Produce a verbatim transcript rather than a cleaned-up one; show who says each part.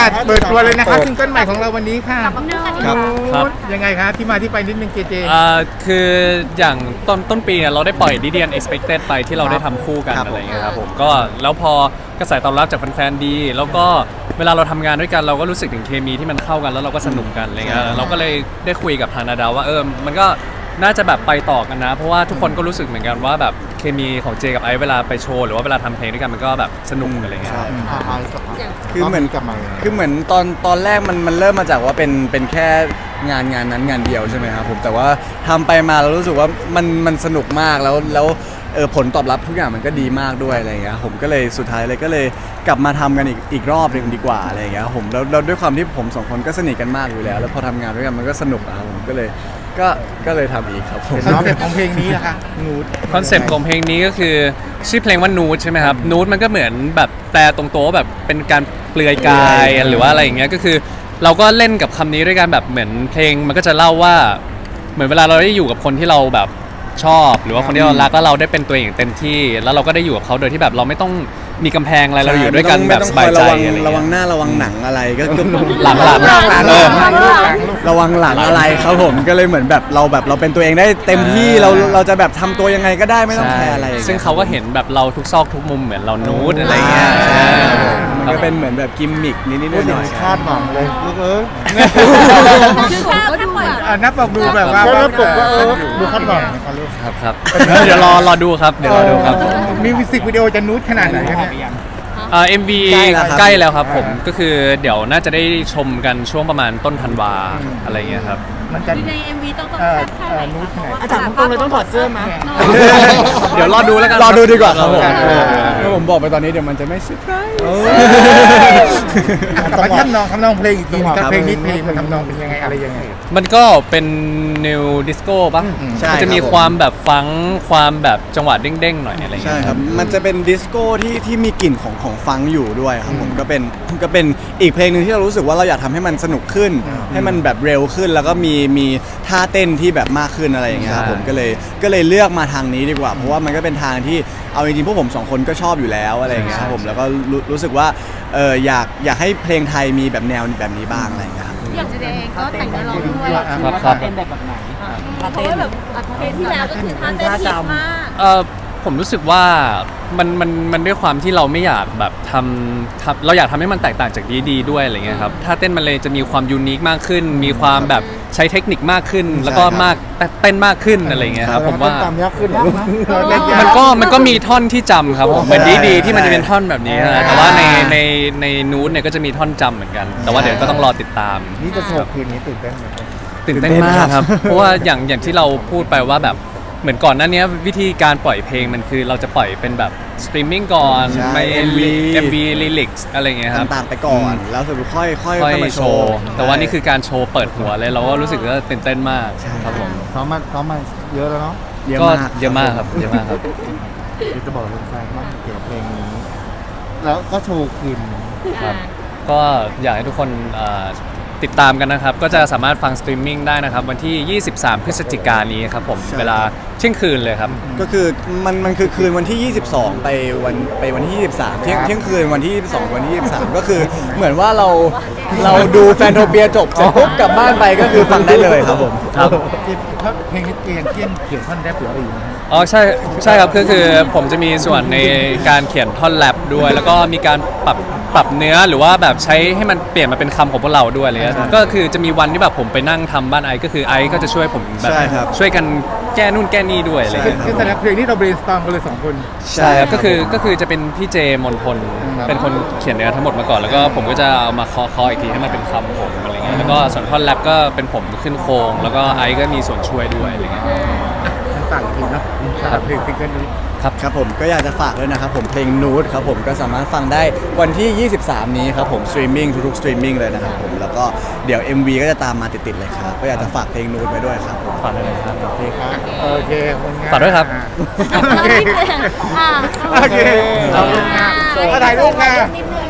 Speaker 1: เปิดตัวเลยนะคะซิงเกิลใหม่ของเราวันนี้ค่ะ
Speaker 2: ครับ
Speaker 1: ครับยังไงคะที่มาที่ไปนิดนึงเจเจ
Speaker 2: อ่าคืออย่างต้นต้นปีเนี่ยเราได้ปล่อย ดี ดี เอ็น Expected ไปที่เราได้ทำคู่กัน
Speaker 3: ครับ
Speaker 2: อะไรอย่างเงี้ยครับผมก็แล้วพอกระแสตอบรับจากแฟนๆดี แล้วก็เวลาเราทำงานด้วยกันเราก็รู้สึกถึงเคมีที่มันเข้ากันแล้วเราก็สนุกกันอะไรเงี้ยเราก็เลยได้คุยกับทางนาดาวว่าเออมันก็น่าจะแบบไปต่อกันนะ เพราะว่าทุกคนก็รู้สึกเหมือนกันว่าแบบเคมีของเจกับไอซ์เวลาไปโชว์หรือว่าเวลาทำเพลงด้วยกันมันก็แบบสนุกอะไรเงี้ย
Speaker 3: ใช่
Speaker 1: อ่าอ่าสักพัก
Speaker 3: คือเหมือน
Speaker 1: กลับมา
Speaker 3: คือเหมือนตอนตอนแรกมันมันเริ่มมาจากว่าเป็นเป็นแค่งานงานนั้นงานเดียวใช่ไหมครับผมแต่ว่าทำไปมาเรารู้สึกว่ามันมันสนุกมากแล้วแล้วเออผลตอบรับทุกอย่างมันก็ดีมากด้วยอะไรอย่างเงี้ยผมก็เลยสุดท้ายเลยก็เลยกลับมาทำกันอีกอีกรอบหนึ่งดีกว่าอะไรอย่างเงี้ยผมแล้วแล้วด้วยความที่ผมสองคนก็สนิทกันมากอยู่แล้ว แล้วพอทำงานด้วยกันมันก็สนุกอะครับผมก็เลยก็ก็เลยทำอีกครับผม
Speaker 1: คอนเซ็ปต์ของเพลงนี้นะคะนูด
Speaker 2: คอนเซปต์ของเพลงนี้ก็คือชื่อเพลงว่านูดใช่ไหมครับนูดมันก็เหมือนแบบแปลตรงตัวว่าแบบเป็นการเปลือยกายหรือว่าอะไรอย่างเงี้ยก็คือเราก็เล่นกับคำนี้ด้วยกันแบบเหมือนเพลงมันก็จะเล่าว่าเหมือนเวลาเราได้อยู่กับคนที่เราแบบชอบหรือว่าคนที่เรารักแล้วเราได้เป็นตัวเองเต็มที่แล้วเราก็ได้อยู่กับเขาโดยที่แบบเราไม่ต้องมีกำแพงอะไรเราอยู่ด้วยกันแบบสบายใจ
Speaker 3: ระวัง
Speaker 2: อะไร
Speaker 3: ระวัง
Speaker 2: เงี้ย
Speaker 3: หน้าระวังหนังอะไรก็ก็
Speaker 2: หลังหลัง
Speaker 3: เออระวังหลังอะไรครับผมก็เลยเหมือนแบบเราแบบเราเป็นตัวเองได้เต็มที่เราเราจะแบบทำตัวยังไงก็ได้ไม่ต้องแคร์อะไรอย่ย
Speaker 2: ซึ่งเขาก็เห็นแบบเราทุกซอกทุกมุมเหมือนเรานูดอะไรเงี้ย
Speaker 3: อ่า
Speaker 2: ใช่
Speaker 3: ก็เป็นเหมือนแบบกิมมิกนิดๆห
Speaker 1: พูดถึ
Speaker 3: น่
Speaker 1: ง
Speaker 3: อย
Speaker 1: คาดหวังเลยลูกเอ้ย
Speaker 4: คือข้าวก็ดูแบบ
Speaker 1: อ่านับบอกดูแบบว่า
Speaker 3: แล้วปกว่าเออ
Speaker 1: ดูคาดหวังนะคะลูก
Speaker 2: ครับครับเดี๋ยวรอรอดูครับเดี๋ยวรอดูครับ
Speaker 1: มีมิวสิกวิดีโอจะนูดขนาดไหนกันเนี่ย
Speaker 2: เอ่อ เอ็ม วี
Speaker 3: ใกล้แล้วครับ
Speaker 2: ใกล้แล้วครับผมก็คือเดี๋ยวน่าจะได้ชมกันช่วงประมาณต้นธันวาอะไรเงี้ยครับ
Speaker 1: มันจะ
Speaker 4: ใน เอ็ม วี ต้องต้อง
Speaker 1: เอ่อ
Speaker 4: แซ่บแค่ไหน
Speaker 1: เอ่อนูดขนาด
Speaker 4: อาจารย์ตรงเลยต้องถอดเสื้อมา
Speaker 2: เดี๋ยวรอดูแล้วกัน
Speaker 3: รอดูดีกว่าครับผม
Speaker 2: เออ
Speaker 3: ถ้าผมบอกไปตอนนี้เดี๋ยวมันจะไม่เซอร์ไพรส์
Speaker 1: มาทำนองทำนองเพลงอีกทีนึง
Speaker 3: ครั
Speaker 1: ถ้า
Speaker 3: บ
Speaker 1: เพลงนี้เพลงมันทำนองเป็นยังไงอะไรยังไง
Speaker 2: มันก็เป็นนิวดิสโก้ป่ะ
Speaker 1: อืม
Speaker 3: ใช่
Speaker 2: มันจะมี
Speaker 3: ครับผม
Speaker 2: ความแบบฟังก์ความแบบจังหวะเด้งๆหน่อยอะไร
Speaker 3: ใช่
Speaker 2: เงี้ย
Speaker 3: ครับ มันจะเป็นดิสโก้ที่ที่มีกลิ่นของของฟังก์อยู่ด้วยครับผมก็เป็นก็เป็นอีกเพลงหนึ่งที่เรารู้สึกว่าเราอยากทำให้มันสนุกขึ้น ให้มันแบบเร็วขึ้น แล้วก็มีมีท่าเต้นที่แบบมากขึ้นอะไรอย่างเงี้ยครับผมก็เลยก็เลยเลือกมาทางนี้ดีกว่า เพราะว่ามันก็เป็นทางที่เอาจริงๆพวกผมสองคนก็ชอบอยู่แล้วอะไรอย่างเงี้ยครับผมแล้วก็รู้รู้สึกว่าเอออยากอยากให้เพลงไทยมีแบบแนวแบบนี้บ้างอะไรอย่างเงี้ยครับ
Speaker 4: อย่างเจเองก็แต่งเนื้อร้องด้วย
Speaker 2: ครับครับ
Speaker 5: เต้นแบบแบบไหน
Speaker 4: เพราะว่าแบบเพลงที่แล้วก็คือท่าเต้นฮิตมาก
Speaker 2: เออผมรู้สึกว่ามันมันมันด้วยความที่เราไม่อยากแบบทำทำเราอยากทำให้มันแตกต่างจากดีดีด้วยอะไรเงี้ยครับถ้าเต้นมันเลยจะมีความยูนิคมากขึ้น มีความแบบใช้เทคนิคมากขึ้น แล้วก็มากเต้นมากขึ้นอะไรเงี้ยครับผมว่า
Speaker 1: ตามยากขึ้นเหรอลูก
Speaker 2: มันก็มันก็มีท่อนที่จำครับผมเหมือนดีดีที่มันจะเป็นท่อนแบบนี้นะแต่ว่าในในในนูตเนี่ยก็จะมีท่อนจำเหมือนกัน แต่ว่าเดี๋ยวก็ต้องรอติดตาม
Speaker 1: นี่จะโชว์คืนนี้ตื่นเต้นไหม
Speaker 2: ตื่นเต้นมากครับ เพราะว่าอย่างอย่างที่เราพูดไปว่าแบบเหมือนก่อนหน้านี้วิธีการปล่อยเพลงมันคือเราจะปล่อยเป็นแบบสตรีมมิ่งก่อน
Speaker 3: ใช่
Speaker 2: ไม่
Speaker 3: เอ็ม วี
Speaker 2: เอ็มวีลิลิกส์อะไรเงี้ยครับ
Speaker 3: ต่างๆไปก่อนแล้วสุดค่อยค่อย
Speaker 2: ค่อย
Speaker 3: มา
Speaker 2: โชว์ แต่ว่านี่คือการโชว์เปิดหัวเลยเราก็รู้สึกว่าตื่นเต้นมากครับผม
Speaker 1: ซ้อมมาซ้อมมาเยอะแล้วเนาะ
Speaker 3: เยอะ
Speaker 2: ก็
Speaker 3: มาก
Speaker 2: เยอะมากครับเยอะมากครับ
Speaker 1: เดี๋ยวจะบอกแฟนๆว่าเกี่ยวกับเพลงนี้ แล้วก็โชว์คืน
Speaker 2: ครับ ก็อยากให้ทุกคนเอ่อติดตามกันนะครับ ก็จะสามารถฟังสตรีมมิ่งได้นะครับ วันที่ ยี่สิบสาม พฤศจิกายนนี้ครับผม
Speaker 3: ใช่
Speaker 2: เวลาเที่ยงคืนเลยครับ
Speaker 3: ก็คือมันมันคือคืนวันที่ ยี่สิบสอง ไปวันไปวันที่ ยี่สิบสาม เที่ยงเที่ยงคืนวันที่ ยี่สิบสอง วันที่ ยี่สิบสาม ก็คือเหมือนว่าเราเราดูแฟนโทเปียจบเสร็จปุ๊บกลับบ้านไปก็คือฟังได้เลยครับผม
Speaker 2: ครับ
Speaker 1: ถ้าเพลงนี้เกียนเกียนเขียนท่อนแรปหรืออะไรอยู่นะ
Speaker 2: อ๋อใช่ใช่ครับคือคือผมจะมีส่วนในการเขียนท่อนแรปด้วย แล้วก็มีการปรับปรับเนื้อหรือว่าแบบใช้ให้มันเปลี่ยนมาเป็นคำของพวกเราด้วยอะไรเงี้ยก็คือจะมีวันที่แบบผมไปนั่งทำบ้านไอซ์ก็คือไอซ์ก็จะช่วยผมแบบ
Speaker 3: ใช่ครับ
Speaker 2: ช่วยกันแก้นู่นแก้นี่ด้วยอะไร
Speaker 1: คือ
Speaker 2: เงี้ย
Speaker 1: คือแสดงเพลงนี้เรา brainstorm กันเลยสองคน
Speaker 2: ใช่ครับก็คือก็คือจะเป็นพี่เจมนพล
Speaker 1: ครับ
Speaker 2: เป็นคนเขียนเนื้อทั้งหมดมาก่อนแล้วก็ผมก็จะเอามาเคาะเคาะอีกทีให้มันเป็นคำผมอะไรเงี้ยแล้วก็ส่วนท่อนแรปก็เป็นผมขึ้นโครงแล้วก็ไอซ์ก็มีส่วนช่วยด้วยอะไรเงี้ย
Speaker 1: ทั้งต่างอีกทีเนาะสำหรับเพลงซิงเกิลนี้
Speaker 3: ครับครับผมก็อยากจะฝากด้วยนะครับผมเพลงนูดครับผมก็สามารถฟังได้วันที่ ยี่สิบสาม นี้ครับผมสตรีมมิ่งทุกๆสตรีมมิ่งเลยนะครับผมแล้วก็เดี๋ยว เอ็ม วี ก็จะตามมาติดๆเลยครับก็อยากจะฝากเพลงนูดไว้ด้วยครับผม
Speaker 2: ฝากด้วยนะครับ
Speaker 1: โอเคครับ โอเคขอบคุณงาน
Speaker 2: ฝากด้วยครับ
Speaker 1: โอเค
Speaker 4: อ่า
Speaker 1: โอเคขอบคุณงานมาถ่ายรูปค่ะ
Speaker 4: นิดนึง